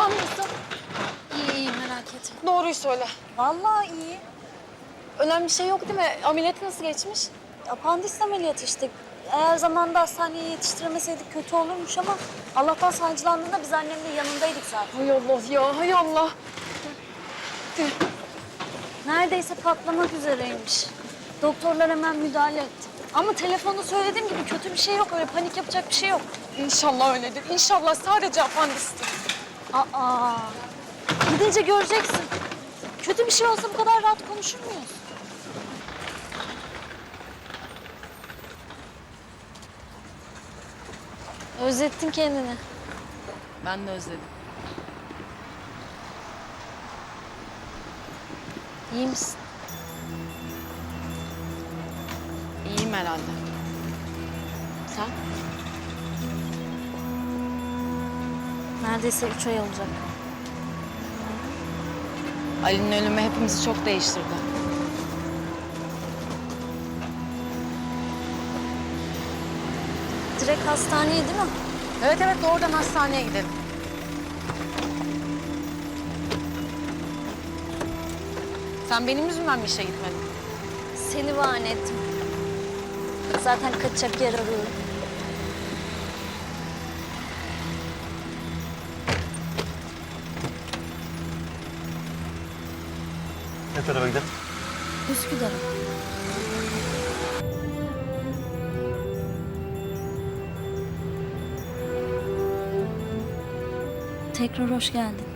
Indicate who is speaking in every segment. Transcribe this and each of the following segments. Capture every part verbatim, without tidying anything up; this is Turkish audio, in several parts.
Speaker 1: Babam nasıl?
Speaker 2: İyi iyi merak etme.
Speaker 1: Doğruyu söyle.
Speaker 2: Vallahi iyi.
Speaker 1: Önemli bir şey yok değil mi? Ameliyatı nasıl geçmiş?
Speaker 2: Apandis ameliyatı işte. Eğer zamanında hastaneye yetiştiremeseydik kötü olurmuş ama Allah'tan sancılandığında biz annemle yanındaydık zaten.
Speaker 1: Hay Allah ya, hay Allah.
Speaker 2: Neredeyse patlamak üzereymiş. Doktorlar hemen müdahale etti. Ama telefonda söylediğim gibi kötü bir şey yok. Öyle panik yapacak bir şey yok.
Speaker 1: İnşallah öyledir. İnşallah sadece apandistir.
Speaker 2: Aa, gidince göreceksin. Kötü bir şey olsa bu kadar rahat konuşur muyuz? Özlettin kendini.
Speaker 3: Ben de özledim.
Speaker 2: İyi misin?
Speaker 3: İyiyim herhalde. Sen?
Speaker 2: Neredeyse üç ay olacak.
Speaker 3: Ali'nin ölümü hepimizi çok değiştirdi.
Speaker 2: Direkt hastaneye değil mi?
Speaker 3: Evet evet doğrudan hastaneye gidelim. Sen benim yüzümden mi işe gitmedin?
Speaker 2: Seni bahane ettim. Zaten kaçacak yer arıyorum.
Speaker 4: Ne tarafa gidelim?
Speaker 2: Üsküdar'a. Tekrar hoş geldin.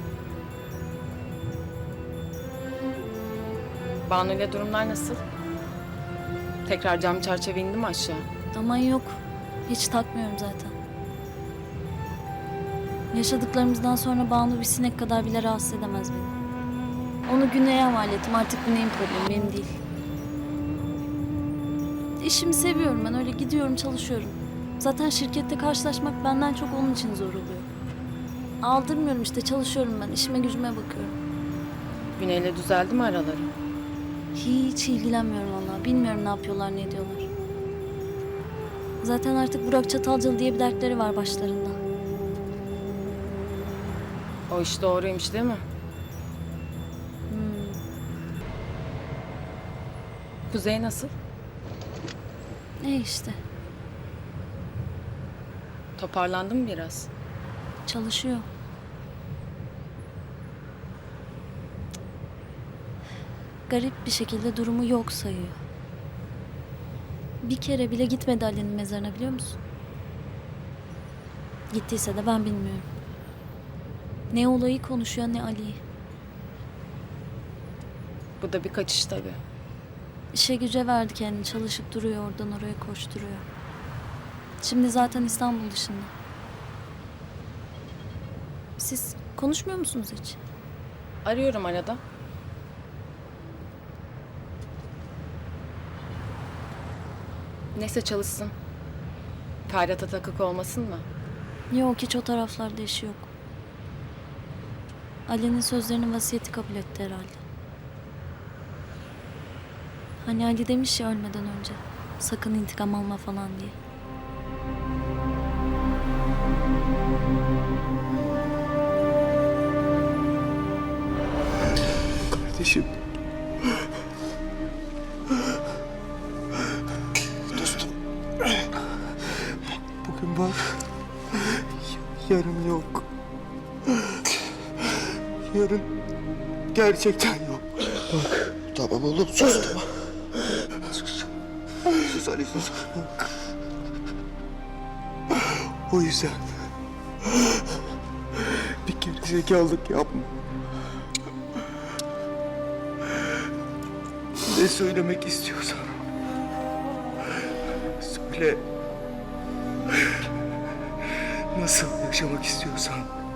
Speaker 3: Banu ile durumlar nasıl? Tekrar cam çerçeve indi mi aşağı?
Speaker 2: Aman yok. Hiç takmıyorum zaten. Yaşadıklarımızdan sonra Banu bir sinek kadar bile rahatsız edemez beni. Onu Güney'e havale ettim. Artık Güney'in problemi, benim değil. İşimi seviyorum ben. Öyle gidiyorum, çalışıyorum. Zaten şirkette karşılaşmak benden çok onun için zor oluyor. Aldırmıyorum işte, çalışıyorum ben. İşime gücüme bakıyorum.
Speaker 3: Güney'le düzeldi mi araları?
Speaker 2: Hiç ilgilenmiyorum vallahi. Bilmiyorum ne yapıyorlar, ne ediyorlar. Zaten artık Burak Çatalcalı diye bir dertleri var başlarında.
Speaker 3: O iş doğruymuş değil mi?
Speaker 2: Hmm.
Speaker 3: Kuzey nasıl?
Speaker 2: Ne işte.
Speaker 3: Toparlandı mı biraz?
Speaker 2: Çalışıyor. Garip bir şekilde durumu yok sayıyor. Bir kere bile gitmedi Ali'nin mezarına, biliyor musun? Gittiyse de ben bilmiyorum. Ne olayı konuşuyor ne Ali'yi.
Speaker 3: Bu da bir kaçış tabii.
Speaker 2: İşe güce verdi kendini, çalışıp duruyor, oradan oraya koşturuyor. Şimdi zaten İstanbul dışında. Siz konuşmuyor musunuz hiç?
Speaker 3: Arıyorum arada. Neyse çalışsın. Ferhat'a takık olmasın mı?
Speaker 2: Yok, hiç o taraflarda işi yok. Ali'nin sözlerinin vasiyeti kabul etti herhalde. Hani Ali demiş ya ölmeden önce, sakın intikam alma falan diye.
Speaker 4: Kardeşim. Dostum. Bugün var. Yarın yok. Yarın gerçekten yok. Bak. Tamam oğlum sus tamam. Sus. Sus Ali sus. O yüzden bir kere zekalılık yapma. Ne söylemek istiyorsan söyle. Nasıl yaşamak istiyorsan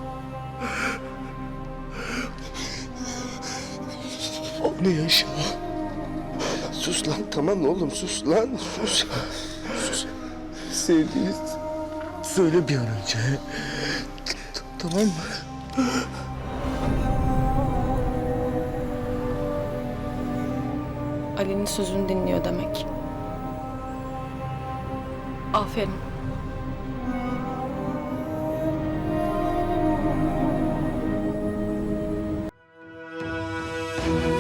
Speaker 4: onu yaşa. Sus lan tamam oğlum sus lan sus. Sus. Sevdiğini söyle bir an önce. T- Tamam mı?
Speaker 3: Ali'nin sözünü dinliyor demek. Aferin.
Speaker 4: Yaşa.